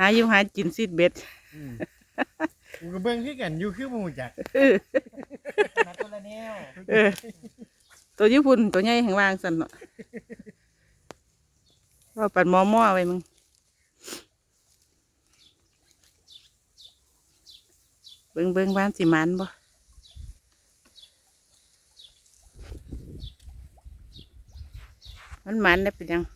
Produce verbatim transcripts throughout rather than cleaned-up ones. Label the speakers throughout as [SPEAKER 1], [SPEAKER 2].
[SPEAKER 1] าอยู่หากินซีดเบ็ด
[SPEAKER 2] กูก็เบิ่งคือกันอยู่คือหมู่จักนัดตัวละแนว
[SPEAKER 1] เออตัวญี่ปุ่นตัวใหญ่แห่งวางสั่นเนาะว่าปัดหม้อหม้อไว้มึงเบิ่งเบิ่งบ้านสิมันบ่มันมันได้เป็นยัง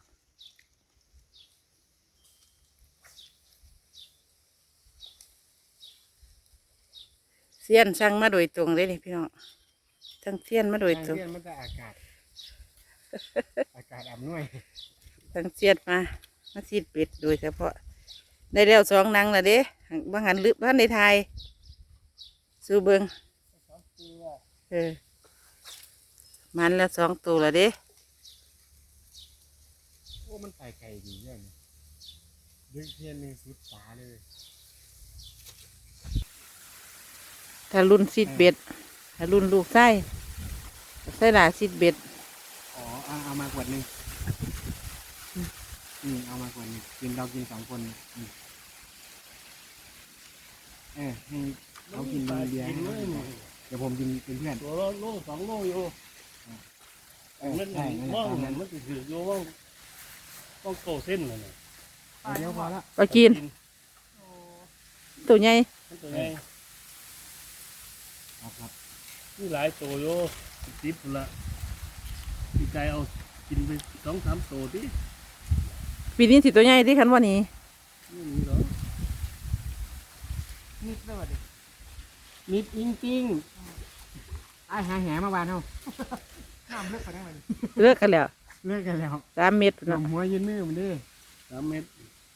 [SPEAKER 1] เสี้ยนสั่งมาโดยตรงเลยนี่พี่น้องทั้งเสี้ยนมาโดยตรง
[SPEAKER 2] เสี้ยนมันจะอากาศอากาศอำนวย
[SPEAKER 1] ทั้งเสี้ยนมามาซีดเป็ดโดยเฉพาะได้แล้วสองนังละเด้บางหันลึกบ้านในไทยสู้เบิงเออมันแล้วสองตัวละเด้
[SPEAKER 2] โอ้มันไก่ไก่ดีเนี่ยดึกเทียนหนึ่งสุดตาเลย
[SPEAKER 1] ถ้ารุ่นซีดเบ็ดถ้ารุ่นลูกไส้ไส้หลาซีดเบ็ด
[SPEAKER 2] อ๋อเอาเอามากวดหนึ่งอืมเอามากวดหนึ่งกินเรากินสองคนอืมเออให้เขากินเบียร์เดี๋ยวผมกินเป็นเพื่อน
[SPEAKER 3] ตัวโลสองโลอยู่มันใช่ว่ามันจะถือโยว่าต้องโตเส้นเลยเนี่ย
[SPEAKER 2] เดี๋ยวพอละ
[SPEAKER 1] ไปกินตัวใหญ่
[SPEAKER 3] ตัวใหญ่
[SPEAKER 2] ครับ
[SPEAKER 3] นี่หลายตัวโยติดละพี่ไก่เอากินไปสองสามตัวดิ
[SPEAKER 1] ปีนี้สิตัวใหญ่ที่คันว่านี้
[SPEAKER 3] นี่นี่เหรอ
[SPEAKER 2] นิดเลยดินิดจริงจริงไอ้หาแหมาวานเท่าน้ำเลิกกันได้ไหม
[SPEAKER 1] เลิกกันแล้ว
[SPEAKER 2] เลิกกันแล้ว
[SPEAKER 1] สามเม็ด
[SPEAKER 2] น้ำหัวยืนมือมันดิ
[SPEAKER 3] สามเม็ด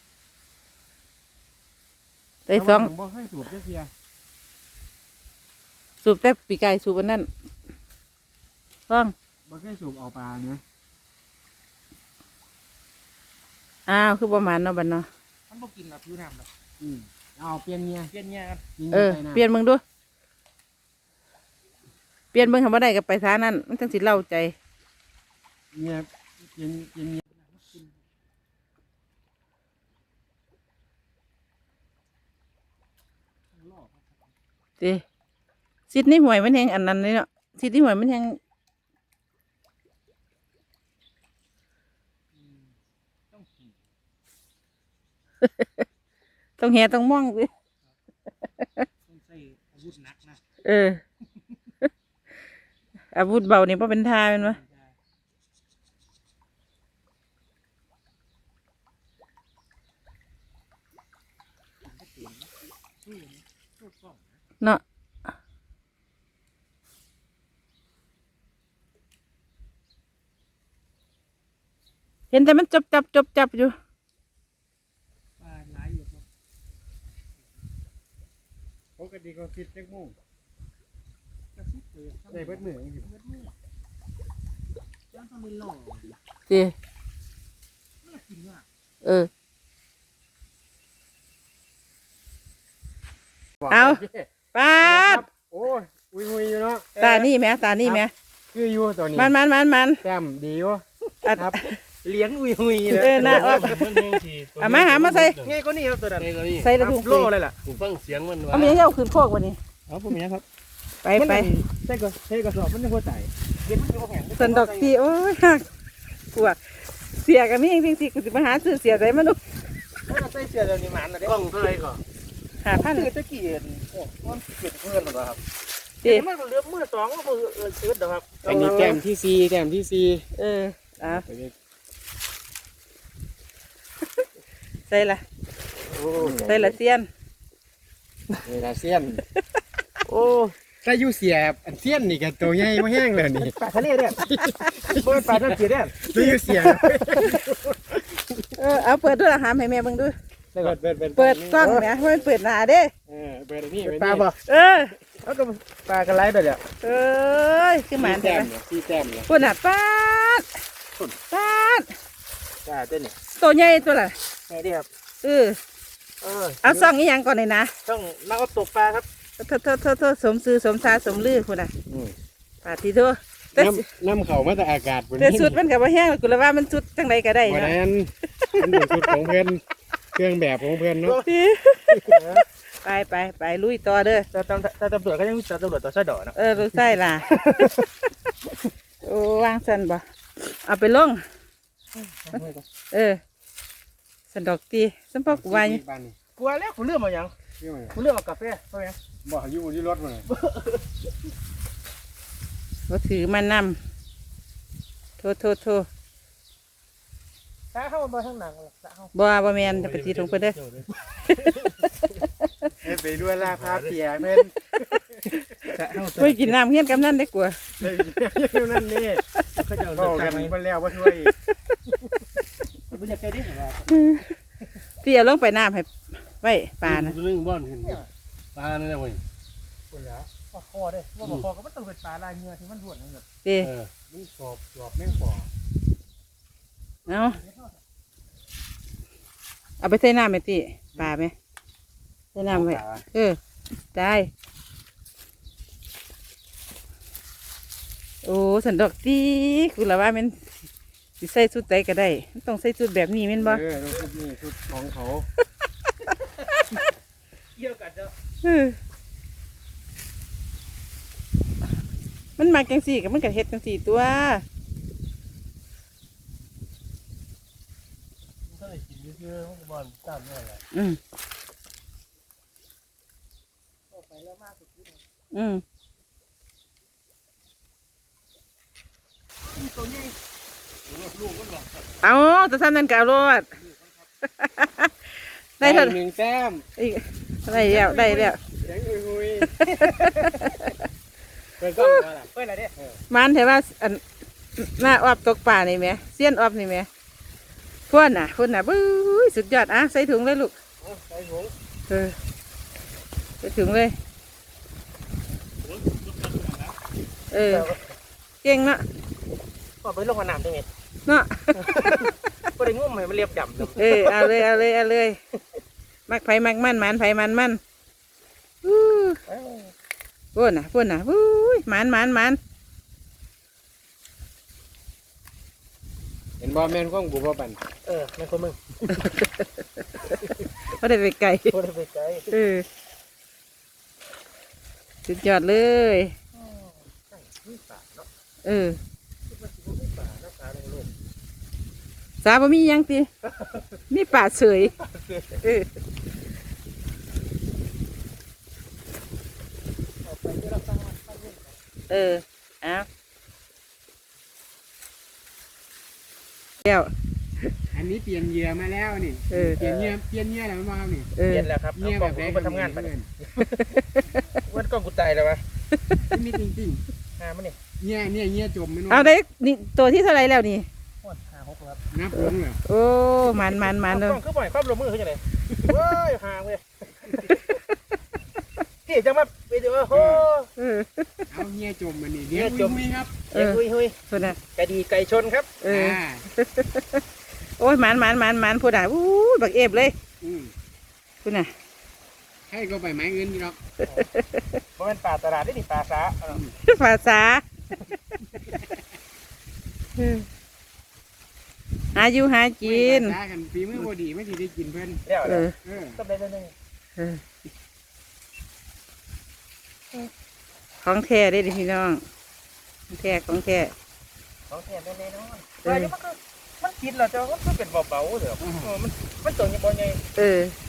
[SPEAKER 1] ได้สอง
[SPEAKER 2] บ่ให้สูบเสีย
[SPEAKER 1] สูบแต่ปีกไก่สูบอันนั้นฟัง
[SPEAKER 2] บ่ให้สูบเอาปลาเนื้อ
[SPEAKER 1] อ้าวคือประมาณเนาะบัดเนาะ
[SPEAKER 2] มันบ่กินแบบผิวน้ำหรอกอืมเอาเปลี่ยนเงี้ยเปลี่ยนเงี้ยครับ
[SPEAKER 1] เออเปลี่ยนมึงดูเปลี่ยนมึงทำอะไรกับไปท่านั้นมันจังสิเล่าใจ
[SPEAKER 2] เงี้ยเปลี่ยนเปลี่ยนเงี้ย
[SPEAKER 1] ดิซิดนี่หวยมันแหงอันนั้นเลยเนาะซิดนี่หวยมันแหงต้องแห่ต้องม่องสิ
[SPEAKER 2] ต้องใส่อาวุธหนักนะ
[SPEAKER 1] เอออาวุธเบานี่เพราะเป็นท่าเป็นวะเนาะเห็นแต่มันจับจับจับจับอยู่
[SPEAKER 2] ปลาหลายอยู่ครับปกติก็คิดเล็กมุ่งได้เบิดมืออยู่เบิดมือยังต้องมีหล่อ
[SPEAKER 1] สิเออเอาป้าด
[SPEAKER 2] โอ้ยอุ้ยอุ้ยอยู่เนาะ
[SPEAKER 1] ตานี่ไหมตานี่ไหม
[SPEAKER 2] คืออยู่ตัวนี้
[SPEAKER 1] มันมันมันมัน
[SPEAKER 2] แต้มดีวะครับเลี้ยงอุ้ยอุ้ย
[SPEAKER 1] เลยเออน่าออกเอามาหามาใส่
[SPEAKER 2] ง่ายกว่านี้ครับตัวนั้น
[SPEAKER 1] ใส่ระถุง
[SPEAKER 2] โล่เลยล่ะ
[SPEAKER 3] ผมฟังเสียงมัน
[SPEAKER 1] ว่าเอามีเย้าขึ้นโคกวันนี้
[SPEAKER 2] เอาผมนี้ครับ
[SPEAKER 1] ไปไป
[SPEAKER 2] ใส่ก็ใส่กระสอบมันจะหัวใจเย็นมันจะแข็ง
[SPEAKER 1] สันดอกที่โอ้ยหักปวดเสียกันนี่จริงๆสิกูจะมาหาซื้อเสียใจมันดู
[SPEAKER 2] ใส่เสื้อเดี๋ยวนี้มันนะเด็ก
[SPEAKER 3] กล้องเท่าไรก่อน
[SPEAKER 1] หาพัน
[SPEAKER 2] ตะกี้โอ้มันเกิดเพื่อนหรอครับเดี๋ยวมันเลือกมือสองก็มือเออชื้นหรอครับอันนี้แก้มที่ซีแก้มที่ซี
[SPEAKER 1] เอออ่ะใส่ละใส่ละเซียน
[SPEAKER 2] ใส่ละเซียนโอ้ถ้าอยู่เสียบอันเซียนนี่กันตัวใหญ่ไม่แห้งเลยนี่ปลาทะเลเนี่ยเปิดปลาทะเลเนี่ยถ้าอยู่เสียบ
[SPEAKER 1] เออเอาเปิดด้วยอาหารให้แม่เบิ่งดู
[SPEAKER 2] เปิดเปิด
[SPEAKER 1] เปิดกล้องเนี่ยไม่เปิดหน้าเด้
[SPEAKER 2] เออเปิดนี่ปลาบ่
[SPEAKER 1] เออ
[SPEAKER 2] เขาก็ปลากระไรไปเลย
[SPEAKER 1] เอ้ยคือหมา
[SPEAKER 2] แต้มซีแต้มเลย
[SPEAKER 1] ปุ่นอ่ะป้าดป้าด
[SPEAKER 2] ป้าเต้นนี่
[SPEAKER 1] ตัวใหญ่ตัวละ
[SPEAKER 2] ใช่ดิครับ
[SPEAKER 1] เออเออเอาซ่องนี้ยังก่อนเลยนะ
[SPEAKER 2] ต้องนักตกปลาครับ
[SPEAKER 1] โทษโทษโทษโทษสมซื้อสมซาสมลือคุณอ่ะปาทีโทษ
[SPEAKER 2] น้ำน้ำเขามาแต่อากาศ
[SPEAKER 1] แต่สุดมันกับว่าแห้งกูเลยว่ามันสุดจังไรก็ได้
[SPEAKER 2] นะวันนั้นมันเป็นสุดของเพื่อนเครื่องแบบของเพื่อนเนาะ
[SPEAKER 1] ไปไปไปลุยต่อเด้อ
[SPEAKER 4] แต่ตำแต่ตำรวจก็ยังมีตำรวจต่อชะดอเนาะ
[SPEAKER 1] เออลูกไส้ล่ะ โอ้วางสันบ่เอาไปลง เออ สันดอกตีสันพอกไว้
[SPEAKER 2] บ้านนี่
[SPEAKER 4] กลัวแล้วคุณเลือกมายัง
[SPEAKER 2] เรื่องอะไร
[SPEAKER 4] คุณเลือกเอากาแฟเพราะไง
[SPEAKER 2] บ่อยู่ที่รถมาเลย
[SPEAKER 1] เขาถือมานำโทษโทษโทษ
[SPEAKER 4] ตาเข้ามาข้างหลังเลยตาเข้า
[SPEAKER 1] บ่บ่แมนจะไปตีตรงเพิ่นเด้อ
[SPEAKER 2] เอ้ยไปด้วยลาพาเปียเม่น
[SPEAKER 4] ตาเข้า
[SPEAKER 1] ไปกินน้ำเฮียนกำนันได้กว่า
[SPEAKER 2] เฮ้ยอยู่นั่นนี่
[SPEAKER 4] เขาจะ
[SPEAKER 2] ก็
[SPEAKER 4] เอา
[SPEAKER 2] กัน
[SPEAKER 4] ไหม
[SPEAKER 2] ไปแล้วว่าช่วย
[SPEAKER 4] คุณอยากใจดิเหรอ
[SPEAKER 1] พี่เอาลงไปน้ำให้ไว้ปลานะ
[SPEAKER 3] เรื่องบ้านเห็นปลานั่นแหละเว้ย
[SPEAKER 4] คุณแล้วว่าคอได้ว่าคอก็มันต้องเป็นปลาลายเงือที่มันรวดนั่นแหละ
[SPEAKER 1] เด้
[SPEAKER 3] เออ
[SPEAKER 2] มันสอบสอบแม่งบ่อ
[SPEAKER 1] เอาเอาไปใส่น้ำไหมตีปลาไหมใส่น้ำไว้เออได้โอ้สันดอกตีคือละว่ามันสิใส่ชุดใดก็ได้มันต้องใส่ชุดแบบนี้แม่นบ่
[SPEAKER 2] เออชุดนี้ชุดของเขา
[SPEAKER 4] เกี่ยวกันเนาะ
[SPEAKER 1] เออมันมาจังสี่กับมันกับเฮ็ดจังสี่ตัว
[SPEAKER 3] ถ้าได้กินเยอะๆบ้านตามนี่แหละ
[SPEAKER 1] อืม
[SPEAKER 4] ไปแล้วมากสุด
[SPEAKER 1] อืม
[SPEAKER 4] ตัวนี้
[SPEAKER 3] ลูกก็หลอก
[SPEAKER 1] เอาตัวสั้นนั่นกเอารถ ได้เถอะ
[SPEAKER 2] หนึ่งแต้ม
[SPEAKER 1] อีกได้แล้วได้แล้ว
[SPEAKER 2] เสียงหุยๆเปิดกล้องมาล่ะ
[SPEAKER 4] เฮ้ยอะไรเนี่ย
[SPEAKER 1] มันเห็นว่าอันหน้าออบตกป่านี่ไหมเสี้ยนออบนี่ไหมพ่นน่ะพ่นน่ะบู๊ยสุดยอดอ่ะใส่ถุงเลยลูก
[SPEAKER 2] ใส่ถุง
[SPEAKER 1] เออใส่ถุงเลย เออเก่งเนาะ
[SPEAKER 4] ก็ไปลงกับน้ำตรงนี้
[SPEAKER 1] เนาะ
[SPEAKER 4] ก็ได้งุ่มให้มันเรียบดำ
[SPEAKER 1] เออเอาเลยเอาเลยเอาเลยมักไผมักมันหมันไผมันมันอู้พ่นน่ะพ่นน่ะบู๊ยหมันหมันหมัน
[SPEAKER 2] เห็นบ่แม่นของกูบ่ปั่น
[SPEAKER 4] เออแม่คนมึง
[SPEAKER 1] ก็ได้ไปไกล
[SPEAKER 4] คนได้ไปไกล
[SPEAKER 1] เออสุดยอดเลย
[SPEAKER 4] มีป่าเนาะ
[SPEAKER 1] เออ
[SPEAKER 4] มันสิมีป่าเนาะป่าลงลง
[SPEAKER 1] สาบ่มีหยังติมีป่าเฉยเออ
[SPEAKER 4] ออกไปที่เราตั้งตั้งเล่น
[SPEAKER 1] เออเอาเดี๋ยว
[SPEAKER 2] อันนี้เปลี่ยนเหยื่อมาแล้วนี่
[SPEAKER 1] เออ
[SPEAKER 2] เปลี่ยนเหยื่อเปลี่ยนเหยื่อแล้วมาครับนี่
[SPEAKER 1] เออ
[SPEAKER 4] เย็นแล้วครับ
[SPEAKER 2] เหยื่อ
[SPEAKER 4] เอา
[SPEAKER 2] แบ
[SPEAKER 4] กล้อง
[SPEAKER 2] บไหน
[SPEAKER 4] กูไปทำงานไป
[SPEAKER 2] เพื่อน
[SPEAKER 4] วันกล้องกูตายแล้ววะ
[SPEAKER 2] มีจริง
[SPEAKER 4] หามันนี่
[SPEAKER 2] ๆเหยื่อเนี่ยเหยื่อจมไม่น้
[SPEAKER 1] เอาได้นี่ตัวที่เท่าไรแล้วนี่
[SPEAKER 4] โอ้ยหาหกครับ
[SPEAKER 2] นับลงเหรอ
[SPEAKER 1] โอ้มันมันมัน
[SPEAKER 4] ก
[SPEAKER 1] เลย
[SPEAKER 4] ล้องคือบ่อยความลงมือคือจังไดเว้ยห่างเว้ยที่จังมาไปดูโอ้โห
[SPEAKER 1] เออ
[SPEAKER 2] เอาเหยื่อจมมานี่เดี๋ยว
[SPEAKER 4] เหยื่อจม
[SPEAKER 2] คุยๆครับ
[SPEAKER 1] เออ
[SPEAKER 4] หุยหุย
[SPEAKER 1] พูดนะ
[SPEAKER 4] ไก่ดีไก่ชนครับ
[SPEAKER 1] เออ
[SPEAKER 2] อ่า
[SPEAKER 1] โอ้ยมันมันมันมันพูดนะอู้บักเอฟเลย
[SPEAKER 2] อืม
[SPEAKER 1] พูดนะ
[SPEAKER 2] ให้ก็ไปไม้เงินนี่หรอก
[SPEAKER 4] เพราะเป็นป่าตลาดได้ดิป่าสาเอา
[SPEAKER 1] ภาษาเออหาอยู่หากิน
[SPEAKER 2] ตากันฝีมือบ่ดีไม่สิได้กินเพิ่น
[SPEAKER 4] แล้ว
[SPEAKER 1] เออ
[SPEAKER 2] เออ
[SPEAKER 4] ต้องได้เรื่องนึง
[SPEAKER 1] เออของแท้ได้ดิพี่น้องของแท้ของแท้
[SPEAKER 4] ของแท้แน่ๆนอนแต่มันก็มันกินแล้วแต่ว่ามันเป็นเบาๆเด้อเออมันมันตัวใหญ่บ่ใหญ่
[SPEAKER 1] เออ
[SPEAKER 4] เ